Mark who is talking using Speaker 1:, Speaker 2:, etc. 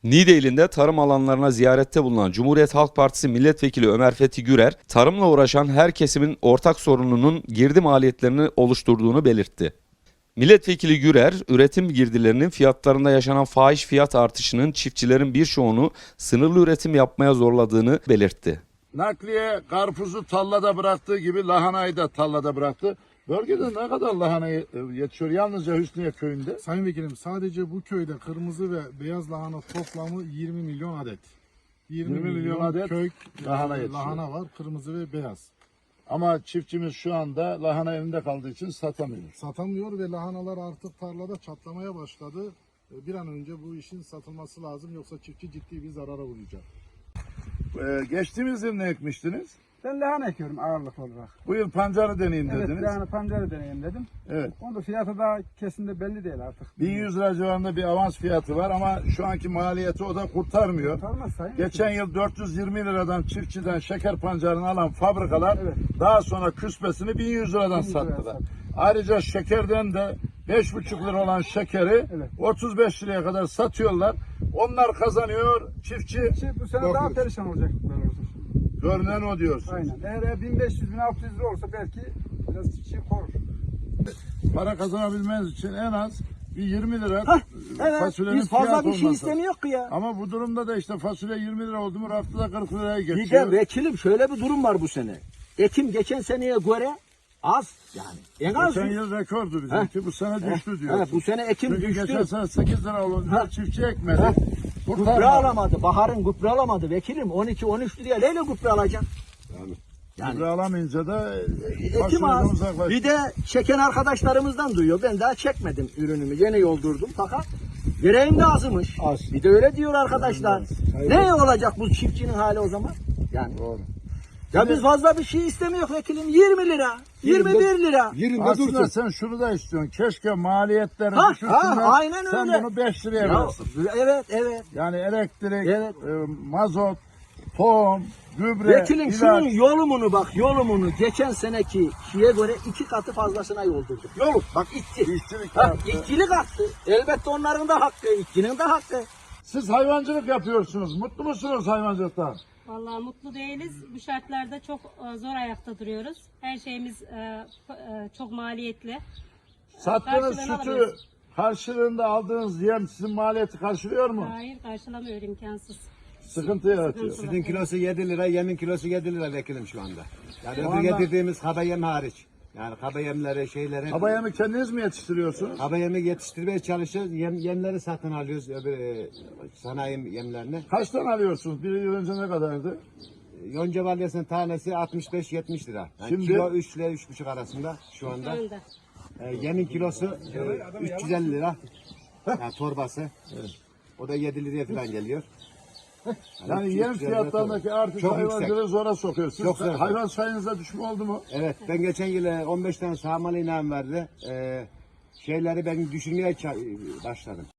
Speaker 1: Niğde tarım alanlarına ziyarette bulunan Cumhuriyet Halk Partisi Milletvekili Ömer Fethi Gürer, tarımla uğraşan her kesimin ortak sorununun girdi maliyetlerini oluşturduğunu belirtti. Milletvekili Gürer, üretim girdilerinin fiyatlarında yaşanan fahiş fiyat artışının çiftçilerin birçoğunu sınırlı üretim yapmaya zorladığını belirtti.
Speaker 2: Nakliye karpuzu tallada bıraktığı gibi lahanayı da tallada bıraktı. Bölgede ne kadar lahana yetişiyor yalnızca Hüsniye köyünde?
Speaker 3: Sayın Vekilim, sadece bu köyde kırmızı ve beyaz lahana toplamı 20 milyon adet. 20 milyon
Speaker 2: adet
Speaker 3: kök
Speaker 2: lahana yetişiyor.
Speaker 3: lahana var, kırmızı ve beyaz.
Speaker 2: Ama çiftçimiz şu anda lahana elinde kaldığı için satamıyor.
Speaker 3: Satamıyor ve lahanalar artık tarlada çatlamaya başladı. Bir an önce bu işin satılması lazım, yoksa çiftçi ciddi bir zarara uğrayacak.
Speaker 2: Geçtiğimiz yıl ne ekmiştiniz?
Speaker 4: Ben lahana ekiyorum ağırlık olarak.
Speaker 2: Bu yıl pancarı deneyim
Speaker 4: Evet,
Speaker 2: dediniz.
Speaker 4: lahana pancarı deneyim dedim.
Speaker 2: Evet.
Speaker 4: Onun da fiyatı daha kesin belli değil artık.
Speaker 2: 1100 lira civarında bir avans fiyatı var ama şu anki maliyeti o da kurtarmıyor.
Speaker 4: Kurtarmaz sayın.
Speaker 2: Geçen yıl 420 liradan çiftçiden şeker pancarını alan fabrikalar
Speaker 4: Evet.
Speaker 2: daha sonra küspesini 1100 liradan
Speaker 4: 1100 liraya
Speaker 2: sattılar.
Speaker 4: sattı.
Speaker 2: Ayrıca şekerden de 5,5 lira olan şekeri
Speaker 4: Evet.
Speaker 2: 35 liraya kadar satıyorlar. Onlar kazanıyor, çiftçi
Speaker 4: Bu sene daha
Speaker 2: korkuyor.
Speaker 4: perişan olacak. Böyle olursa.
Speaker 2: Görünen o diyorsun.
Speaker 4: Aynen. Eğer 1500-1600 lira olsa belki biraz çiftçi korur.
Speaker 2: Para kazanabilmeniz için en az bir 20 lira
Speaker 4: Evet.
Speaker 2: fasulyenin
Speaker 4: Biz fazla
Speaker 2: fiyatı
Speaker 4: bir şey
Speaker 2: olması.
Speaker 4: istemiyor ki ya.
Speaker 2: Ama bu durumda da işte fasulye 20 lira oldu mu raftada 40 liraya
Speaker 5: Bir
Speaker 2: geçiyor.
Speaker 5: de vekilim şöyle bir durum var bu sene. Ekim geçen seneye göre az yani. En az.
Speaker 2: Geçen yıl rekordu bizimki. Bu sene düştü diyor.
Speaker 5: Evet, bu sene ekim
Speaker 2: Çünkü
Speaker 5: düştü.
Speaker 2: geçen sene 8 lira olunca çiftçi ekmedi.
Speaker 5: Ha. Gübre
Speaker 2: Kurtarmadı.
Speaker 5: alamadı. Baharın gübre alamadı vekilim. 12-13 liraya neyle gübre alacak? Yani
Speaker 2: Gübre alamayınca da
Speaker 5: ekim
Speaker 2: fasulyeden
Speaker 5: az.
Speaker 2: uzaklaştı.
Speaker 5: Bir de çeken arkadaşlarımızdan duyuyor. Ben daha çekmedim ürünümü. Yeni yoldurdum fakat gereğim de azmış.
Speaker 2: Az.
Speaker 5: Bir de öyle diyor arkadaşlar.
Speaker 2: Hayır.
Speaker 5: Ne olacak bu çiftçinin hali o zaman? Yani.
Speaker 2: Doğru.
Speaker 5: Ya biz fazla bir şey istemiyoruz vekilim. 20 lira. 21 lira.
Speaker 2: Aslında sen şunu da istiyorsun. Keşke maliyetlerini
Speaker 5: Ha,
Speaker 2: düşürsünler.
Speaker 5: aynen
Speaker 2: sen
Speaker 5: öyle.
Speaker 2: bunu 5 liraya
Speaker 5: Ya,
Speaker 2: verirsin.
Speaker 5: evet.
Speaker 2: Yani elektrik,
Speaker 5: Evet.
Speaker 2: mazot, tohum, gübre,
Speaker 5: Vekilim
Speaker 2: ilaç.
Speaker 5: şunun yolumunu geçen seneki şeye göre 2 katı fazlasına yoldurduk. Yolu bak işçi.
Speaker 2: İşçilik
Speaker 5: Ha,
Speaker 2: arttı.
Speaker 5: işçilik arttı. Elbette onların da hakkı, işçinin de hakkı.
Speaker 2: Siz hayvancılık yapıyorsunuz. Mutlu musunuz hayvancılıktan?
Speaker 6: Vallahi mutlu değiliz. Bu şartlarda çok zor ayakta duruyoruz. Her şeyimiz çok maliyetli.
Speaker 2: Sattığınız
Speaker 6: Karşılığını
Speaker 2: sütü
Speaker 6: alamıyoruz.
Speaker 2: karşılığında aldığınız yem sizin maliyeti karşılıyor mu?
Speaker 6: Hayır, karşılamıyor, imkansız.
Speaker 2: Sıkıntı yaratıyor.
Speaker 6: Sıkıntı.
Speaker 7: Sütün kilosu 7 lira, yemin kilosu 7 lira vekilim şu anda. Yani
Speaker 2: Şu
Speaker 7: öbür
Speaker 2: anda-
Speaker 7: getirdiğimiz kaba yem hariç. Yani kaba yemleri, şeyleri.
Speaker 2: Kaba yemi kendiniz mi yetiştiriyorsunuz?
Speaker 7: Kaba yemi yetiştirmeye çalışıyoruz. Yemleri satın alıyoruz öbür sanayi yemlerini.
Speaker 2: Kaçtan alıyorsunuz? Bir yıl önce ne kadardı?
Speaker 7: Yonca balyasının tanesi 65-70 lira. Yani
Speaker 2: Şimdi-
Speaker 7: kilo 3 ile 3,5 arasında şu anda.
Speaker 6: Şu anda.
Speaker 7: Yemin kilosu 350 lira. Yani torbası. O da 7 liraya falan geliyor.
Speaker 2: Yani yem
Speaker 7: 300 lira
Speaker 2: fiyatlarındaki artış
Speaker 7: Çok
Speaker 2: hayvancılığı zora sokuyor. Siz
Speaker 7: Çok zor.
Speaker 2: hayvan sayınıza düşme oldu mu?
Speaker 7: Evet, ben geçen yıl 15 tane sağmalı inan verdi. Şeyleri ben düşürmeye başladım.